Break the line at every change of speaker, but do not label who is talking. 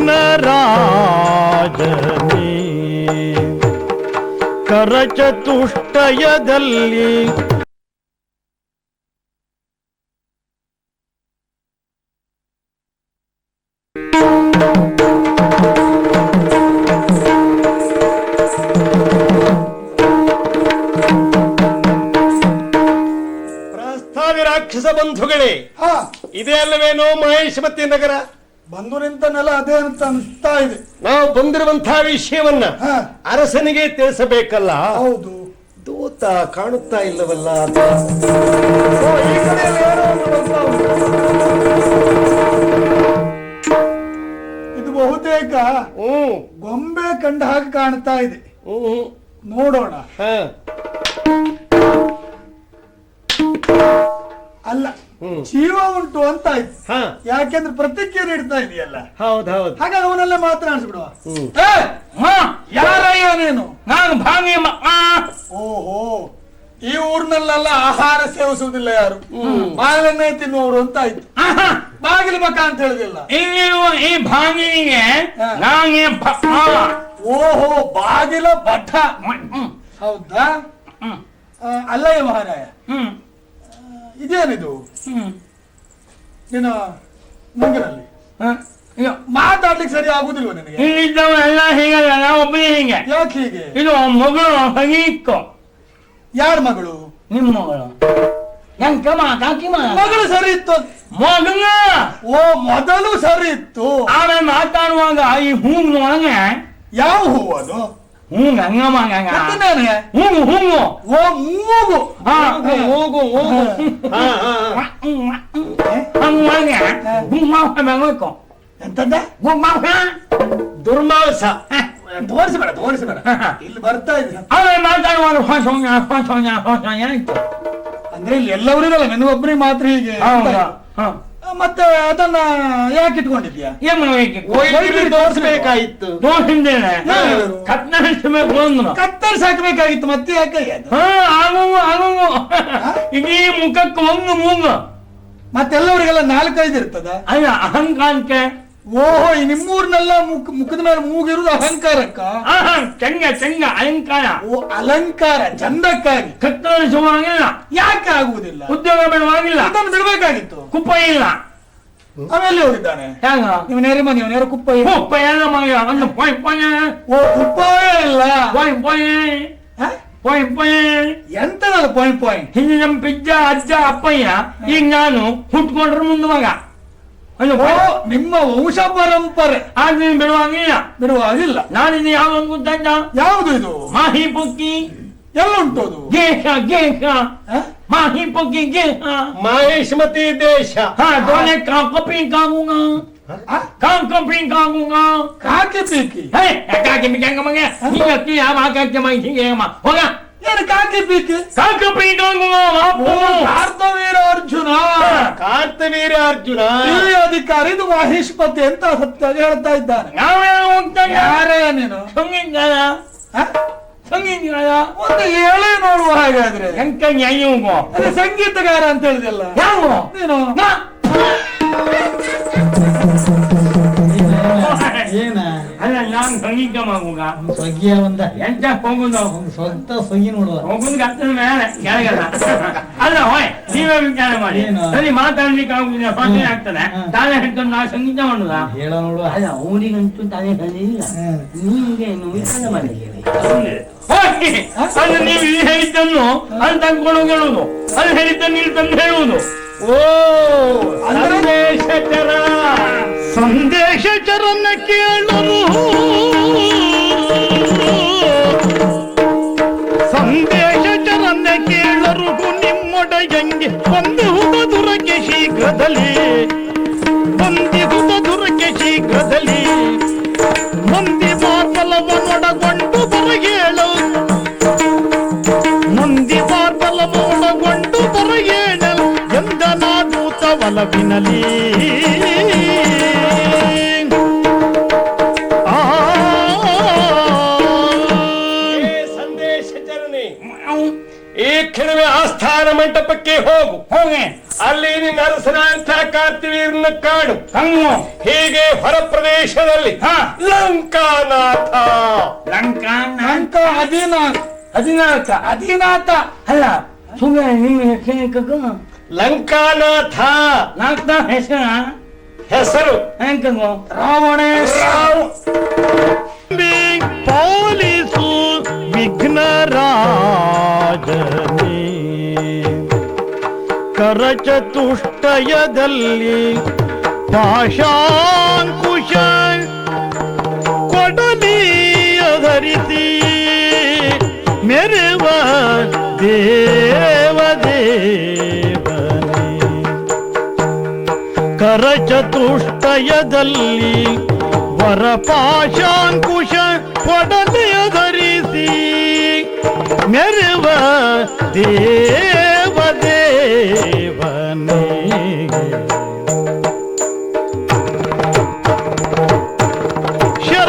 ರಾಜನೇ ಕರಚತುಷ್ಟಯದಲ್ಲಿ
ರಾಕ್ಷಸ ಬಂಧುಗಳೇ, ಇದೇ ಅಲ್ಲವೇನೋ ಮಹೇಶಮತಿ ನಗರ?
ಬಂದು ನಿಂತ ನೆಲ ಅದೇ ಅಂತ ಅನಿಸ್ತಾ ಇದೆ.
ನಾವು ಬಂದಿರುವಂತಹ ವಿಷಯವನ್ನ ಅರಸನಿಗೆ ತಿಳಿಸಬೇಕಲ್ಲ.
ಹೌದು.
ದೂತ ಕಾಣುತ್ತಾ ಇಲ್ಲವಲ್ಲ?
ಈ ಕಡೆಯಲ್ಲಿ ಏನೋ ಒಂದು ಬರ್ತಾ ಉಂಟು. ಇದು ಬಹುತೇಕ ಗೊಂಬೆ ಕಂಡ ಹಾಗೆ ಕಾಣ್ತಾ ಇದೆ. ನೋಡೋಣ. ಅಲ್ಲ, ಜೀವ ಉಂಟು ಅಂತ ಆಯ್ತು. ಯಾಕೆಂದ್ರೆ ಪ್ರತಿಕ್ರಿಯೆ ನೀಡ್ತಾ ಇದೆಯಲ್ಲ.
ಹೌದೌದು.
ಹಾಗಾಗಿ ಅವನಲ್ಲೇ ಮಾತನಾಡಿಸ್ಬಿಡುವ. ಯಾರಯ್ಯ ನೀನು?
ನಾನು ಭಾಂಗಿ.
ಓಹೋ, ಈ ಊರಿನಲ್ಲೆಲ್ಲ ಆಹಾರ ಸೇವಿಸುವುದಿಲ್ಲ ಯಾರು, ಬಾಗಿಲನ್ನೇ ತಿನ್ನುವವರು ಅಂತ ಆಯ್ತು. ಬಾಗಿಲು ಮಕ ಅಂತ ಹೇಳುದಿಲ್ಲ.
ಈ ಭಾಂಗಿಗೆ
ಓಹೋ, ಬಾಗಿಲ ಭಟ್ಟ. ಹೌದಾ? ಅಲ್ಲಯ್ಯ ಮಹಾರಾಯ, ಇದೇನಿದು ನೀನು ಮುಂಗಿನಲ್ಲಿ ಮಾತಾಡ್ಲಿಕ್ಕೆ ಸರಿ ಆಗುದಿಲ್ವ ನಿನಗೆ?
ಎಲ್ಲ ಹೀಗಲ್ಲ, ಒಬ್ಬನೇ ಹೀಗೆ.
ಯಾಕೆ ಹೀಗೆ?
ಇದು ಮಗಳು ಹಗೀಕೋ.
ಯಾರ ಮಗಳು?
ನಿಮ್ಮ ಮಗಳು.
ಮಗಳು ಸರಿ ಇತ್ತು.
ಮಗನ
ಓ, ಮೊದಲು ಸರಿ ಇತ್ತು.
ಆಮೇಲೆ ಮಾತಾಡುವಾಗ ಈ ಹೂಂಗ್ ಒಳಗೆ
ಯಾವ ಹೂವು ಅದು?
ಹೂಂಗ್ ಹಂಗಮ್ಮ ಹೂಂಗು ಹೂಂಗು.
ಓ, ಮೂಗು.
ಹೋಗು ಹೋಗು. ಹಂಗೆ ಗುಮ್ಮಾವ ಬೆಳಕು.
ಎಂತಂದ?
ಗುಮ್ಮಾವ
ದುರ್ಮಾಂಸ.
ತೋರಿಸಬೇಡ ತೋರಿಸಬೇಡ, ಇಲ್ಲಿ ಬರ್ತಾ ಇದೆ.
ಆಮೇಲೆ ಮಾತಾಡುವಾಗ ಹೊಸೋಂಗ ಹೊಸೋಂಗ ಹೊಸೋಂಗ ಆಯ್ತು.
ಅಂದ್ರೆ ಇಲ್ಲಿ ಎಲ್ಲವರಿಗಲ್ಲ, ನನಗೊಬ್ಬರಿಗೆ ಮಾತ್ರ ಹೀಗೆ. ಮತ್ತೆ ಅದನ್ನ ಯಾಕೆ ಇಟ್ಕೊಂಡಿದ್ಯಾ?
ತೋರಿಸಬೇಕಾಗಿತ್ತು.
ತೋರಿಸಿದ್ದೇನೆ, ಕತ್ತರಿಸಬೇಕು ಅಂದ್ರು.
ಕತ್ತರಿಸಾಕಬೇಕಾಗಿತ್ತು, ಮತ್ತೆ ಯಾಕೆ?
ಆಗು ಇಡೀ ಮುಖಕ್ಕೆ ಒಂದು ಮೂಗು.
ಮತ್ತೆಲ್ಲವರಿಗೆಲ್ಲ 4-5 ಇರ್ತದ.
ಅಲ್ಲ, ಅಹಂಕಾರಕ್ಕೆ.
ಓಹೋ, ಈ ನಿಮ್ಮೂರ್ನೆಲ್ಲ ಮುಖದ ಮೇಲೆ ಮೂಗಿರುವುದು ಅಹಂಕಾರಕ್ಕ?
ಚೆಂಗ ಚೆಂಗ ಅಲಂಕಾರ.
ಓ, ಅಲಂಕಾರ, ಚಂದಕ್ಕಾಗಿ.
ಕತ್ತರಿಸುವಾಗಿಲ್ಲ.
ಯಾಕೆ ಆಗುವುದಿಲ್ಲ?
ಉದ್ಯೋಗ ಬಿಡುವಾಗಿಲ್ಲ.
ಅದನ್ನು ಬಿಡಬೇಕಾಗಿತ್ತು.
ಕುಪ್ಪ ಇಲ್ಲ.
ಆಮೇಲೆ ಹೋಗಿದ್ದಾನೆ.
ಹೇಗ?
ನೀವು ನೇರ ಮನೆ, ನೇರ ಕುಪ್ಪ ಇಲ್ಲ.
ಕುಪ್ಪ ಎಲ್ಲ ಮಗ ಒಂದು ಪೊಯ್ ಪೊಯ್.
ಓ, ಕುಪ್ಪವೇ ಇಲ್ಲ.
ಪೊಯ್ ಪೊಯ್ ಪೊಯ್ ಪೊಯ್.
ಎಂತದ ಪೊಯ್ ಪೊಯ್?
ಹಿಂದೆ ನಮ್ಮ ಪಿಜ್ಜ ಅಜ್ಜ ಅಪ್ಪಯ್ಯ, ಈಗ ನಾನು ಹುಟ್ಕೊಂಡ್ರೆ ಮುಂದೆ ಮಗ.
ನಿಮ್ಮ ವಂಶ ಪರಂಪರೆ.
ಆದ್ರೆ ಬಿಡುವಾಗಿಲ್ಲ.
ಬಿಡುವಾಗಿಲ್ಲ.
ನಾನಿದು ಯಾವಾಗ ಗೊತ್ತಾಯ್ತ?
ಯಾವುದು ಇದು?
ಮಾಹಿ ಪೊಕ್ಕಿ.
ಎಲ್ಲ ಉಂಟು ಅದು?
ಗೇಹ ಗೇಹ. ಮಾಹಿ ಪೊಕ್ಕಿ ಗೇಹ.
ಮಹೇಶಮತಿ ದೇಶ.
ದೋನೆ ಕಾಕಪಿ ಕಾಗುಂಗ. ಕಾಕಪಿ ಕಾಗುಂಗ.
ಕಾಕಿ ಪೀಕಿ.
ಕಾಕಿ ಪೀಕಿ ಹಂಗ ಮಗ. ನೀ ಯಾವ ಕಾಕಿ ಮೈಸಿಗೆ ಹೋಗ.
ಏನು ಕಾಕಿ ಪೀಕಿ?
ಕಾಕಪಿ ಕಾಗುಂಗ.
ಕಾರ್ತವೀರ ಅರ್ಜುನ.
ಕಾರ್ತವೀರ ಅರ್ಜುನ
ಈ ಅಧಿಕಾರಿ ಇದು ಮಹೇಶ್ಪತಿ ಅಂತ ಸತ್ಯ ಹೇಳ್ತಾ ಇದ್ದಾನೆ.
ಯಾವ್ಯಾವ ಹೋಗ್ತಾನೆ?
ಯಾರೇ ನೀನು?
ಸಂಗೀತಗಾರ. ಸಂಗೀತಗಾರ
ಒಂದು ಹೇಳೇ ನೋಡುವ. ಹಾಗಾದ್ರೆ
ಎಂಕ ನ್ಯಾಯವು
ಸಂಗೀತಗಾರ ಅಂತ ಹೇಳಿದೆಲ್ಲ
ಯಾವ
ನೀನು?
ಏನ
ಅಲ್ಲ, ನಾನು ಸಂಗೀತ ಮಗುಗ
ಸ್ವಗ್ಗಿಯ ಒಂದ
ಎಂತ ಹೋಗುದು
ಸ್ವಂತ ಸ್ವಗ್ಗಿ ನೋಡುವ
ಹೋಗುದು ಗತ್ತದ ಮೇಲೆ ಕೆಳಗಲ್ಲ. ಅಲ್ಲ ಹೋಯ್, ನೀವೇ ವಿಚಾರ ಮಾಡಿ. ಸರಿ, ಮಾತಾಡ್ಲಿಕ್ಕೆ ಆಗುದಿಲ್ಲ, ತೊಂದರೆ ಆಗ್ತದೆ. ತಾನೇ ಹೇಳ್ಕೊಂಡು ನಾವು ಸಂಗೀತ ಮಾಡುದ
ಹೇಳ ನೋಡುವ.
ಅಲ್ಲ, ಅವನಿಗಂತೂ ತಾನೇ ಹೇಳಿಲ್ಲ. ನಿಮಗೆ ವಿಚಾರ ಮಾಡಿ ಅದು ನೀವು ಇಲ್ಲಿ ಹೇಳಿದ್ದನ್ನು ಅಲ್ಲಿ ತಂದ್ಕೊಂಡು ಹೇಳುವುದು, ಅಲ್ಲಿ ಹೇಳಿದ್ದನ್ನು ಇಲ್ಲಿ ತಂದು ಹೇಳುವುದು.
ಓ, ಸಂದೇಶಚರ.
ಸಂದೇಶಚರನ್ನ ಕೇಳರು, ಸಂದೇಶಚರನ್ನ ಕೇಳರು ನಿಮ್ಮೊಡೆಯಂಗೆ ಬಂದಿಹುದುರಕ್ಕೆ ಶೀಘ್ರದಲ್ಲಿ, ಬಂದಿಹುದುರಕ್ಕೆ ಶೀಘ್ರದಲ್ಲಿ ಮಂದಿ ಮಾರ್ಬಲವನ್ನೊಡಗೊಂಡು ಬರಗೇಳು, ಮಂದಿ ಮಾರ್ಬಲವನ್ನೊಡಗೊಂಡು ಬರಗೇಳಲು ಎಂದನಾದೂತ ಒಲವಿನಲಿ.
ಸಂದೇಶಚರನೆ, ಈ ಕ್ಷಣವೇ ಆಸ್ಥಾನ ಮಂಟಪಕ್ಕೆ ಹೋಗು.
ಹೋಗಿ
ಅಲ್ಲಿ ನಿನ್ನ ಅರಸನಾಂತ ಕಾರ್ತಿವೀರನ ಕಾಡು
ಕಮ್ಮು
ಹೀಗೆ ಹೊರ ಪ್ರದೇಶದಲ್ಲಿ
ಹಾ
ಲಂಕಾನಾಥ
ಲಂಕಾ
ಅಂತ ಅಧೀನಾಥ
ಅಧೀನಾಥ ಅಲ್ಲ ಸುಮ್ಮನೆ ನಿಮ್ಮ ಹೆಸರು
ಲಂಕಾನಾಥ
ನಾಲ್ಕ ಹೆಸರ
ಹೆಸರು
ಹೆಂಗೋ
ರಾವಣೇಶ
ಪಾಲಿಸು ವಿಘ್ನರಾಜನೇ ಕರಚತುಷ್ಟಯದಲ್ಲಿ ಪಾಶಾಂಕುಶ ಕೊಡಲಿಯ ಧರಿಸಿ ಮೆರೆವ ದೇವದೇವನೇ ಕರಚತುಷ್ಟಯದಲ್ಲಿ ವರಪಾಶಾಂಕುಶ ಕೊಡಲಿಯ ಧರಿಸಿ ಮೆರೆವ ದೇವ